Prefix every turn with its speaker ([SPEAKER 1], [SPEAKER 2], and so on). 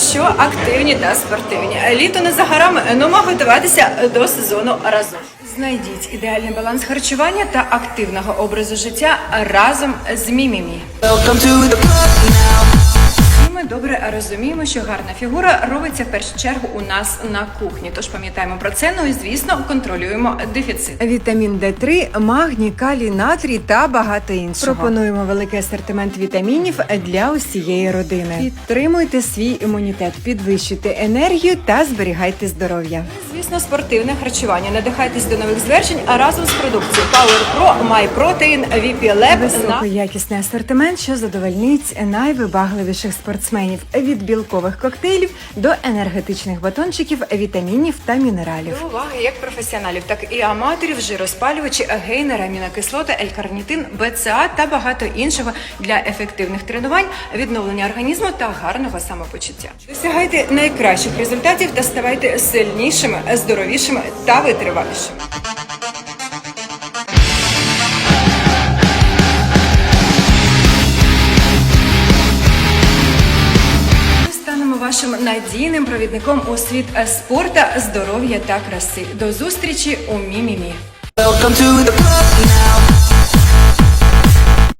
[SPEAKER 1] що активні та спортивні. Літо не за горами, нумо готуватися до сезону разом. Знайдіть ідеальний баланс харчування та активного образу життя разом з Мімімі. І ми добре розуміємо, що гарна фігура робиться в першу чергу у нас на кухні. Тож пам'ятаємо про це, ну і звісно контролюємо дефіцит.
[SPEAKER 2] Вітамін Д3, магній, калій, натрій та багато іншого. Пропонуємо великий асортимент вітамінів для усієї родини. Підтримуйте свій імунітет, підвищуйте енергію та зберігайте здоров'я.
[SPEAKER 1] Звісно, спортивне харчування. Надихайтесь до нових звершень, а разом з продукцією Power Pro, MyProtein, VP Lab.
[SPEAKER 2] Високоякісний асортимент, що задовольнить найвибагливіших спортсменів від білкових коктейлів до енергетичних батончиків, вітамінів та мінералів.
[SPEAKER 1] До уваги як професіоналів, так і аматорів, жироспалювачі, гейнери, амінокислоти, L-карнітин, БЦА та багато іншого для ефективних тренувань, відновлення організму та гарного самопочуття. Досягайте найкращих результатів та ставайте сильнішими, здоровішими та витривалішими. Станемо вашим надійним провідником у світ спорту, здоров'я та краси. До зустрічі у Мімімі.
[SPEAKER 3] Welcome to the club now.